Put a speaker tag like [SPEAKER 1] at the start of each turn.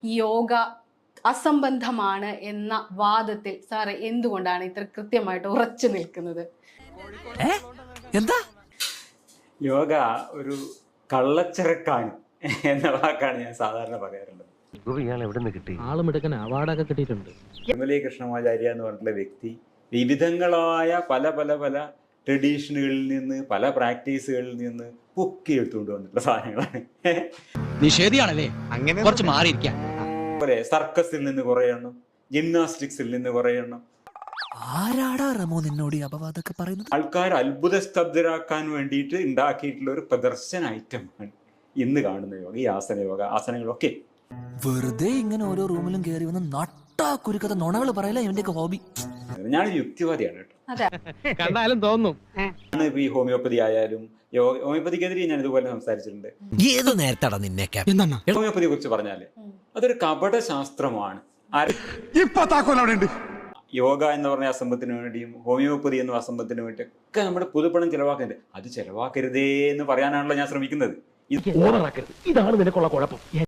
[SPEAKER 1] യോഗ അസംബന്ധമാണ് എന്ന വാദത്തിൽ സാറ് എന്തുകൊണ്ടാണ് ഇത്ര കൃത്യമായിട്ട് ഉറച്ചു നിൽക്കുന്നത്?
[SPEAKER 2] എന്താ
[SPEAKER 3] യോഗ ഒരു കള്ളച്ചരക്കാണ് എന്ന വാക്കാണ് ഞാൻ സാധാരണ പറയാറുള്ളത്.
[SPEAKER 4] ആളുമെടുക്കാൻ അവാർഡൊക്കെ കിട്ടിയിട്ടുണ്ട്.
[SPEAKER 3] വിമലി കൃഷ്ണമാചാര്യ എന്ന് പറഞ്ഞിട്ടുള്ള വ്യക്തി വിവിധങ്ങളായ പല പല പല ട്രഡീഷനുകളിൽ നിന്ന് പല പ്രാക്ടീസുകളിൽ നിന്ന് പൊക്കി എടുത്തുകൊണ്ട് വന്നിട്ടുള്ള സാധനങ്ങളാണ്.
[SPEAKER 2] നിഷേധിയാണല്ലേ, അങ്ങനെ കുറച്ച് മാറിയിരിക്കാം.
[SPEAKER 3] പോലെ സർക്കസിൽ നിന്ന് കുറേ എണ്ണം, ജിംനാസ്റ്റിക്സിൽ നിന്ന് കുറേ എണ്ണം.
[SPEAKER 2] ആരാടാ റമോ നിന്നോട് ഈ അപവാദമൊക്കെ പറയുന്നത്?
[SPEAKER 3] ആൾക്കാർ അത്ഭുത സ്തബ്ധരാക്കാൻ വേണ്ടിയിട്ട് ഉണ്ടാക്കിയിട്ടുള്ള ഒരു പ്രദർശന ഐറ്റമാണ് ഇന്ന് കാണുന്ന യോഗ, ഈ ആസനങ്ങളൊക്കെ.
[SPEAKER 2] വെറുതെ ഇങ്ങനെ ഓരോ റൂമിലും കയറി വന്ന് നട്ടാ കുരുക്കഥ നുണകൾ പറയല ഇവന്റെയൊക്കെ ഹോബി.
[SPEAKER 3] ഞാനൊരു യുക്തിവാദിയാണ് കേട്ടോ.
[SPEAKER 4] കണ്ടാലും തോന്നും.
[SPEAKER 3] ഈ ഹോമിയോപ്പതി ആയാലും ഹോമിയോപ്പതിക്കെതിരെ ഞാൻ ഇതുപോലെ സംസാരിച്ചിട്ടുണ്ട്.
[SPEAKER 2] ഏത് നേരത്താടാ നിന്നെയൊക്കെ
[SPEAKER 3] ഹോമിയോപ്പതിയെ കുറിച്ച് പറഞ്ഞാല് അതൊരു കപട ശാസ്ത്രമാണ്. യോഗ എന്ന് പറഞ്ഞ അസംബത്തിന് വേണ്ടിയും ഹോമിയോപ്പതി എന്ന അസംബത്തിന് വേണ്ടി ഒക്കെ നമ്മുടെ പൊതുപണം ചെലവാക്കുന്നുണ്ട്. അത് ചെലവാക്കരുതേ എന്ന് പറയാനാണല്ലോ ഞാൻ ശ്രമിക്കുന്നത്.
[SPEAKER 4] ഇതാണ് നിനക്കുള്ള കുഴപ്പം.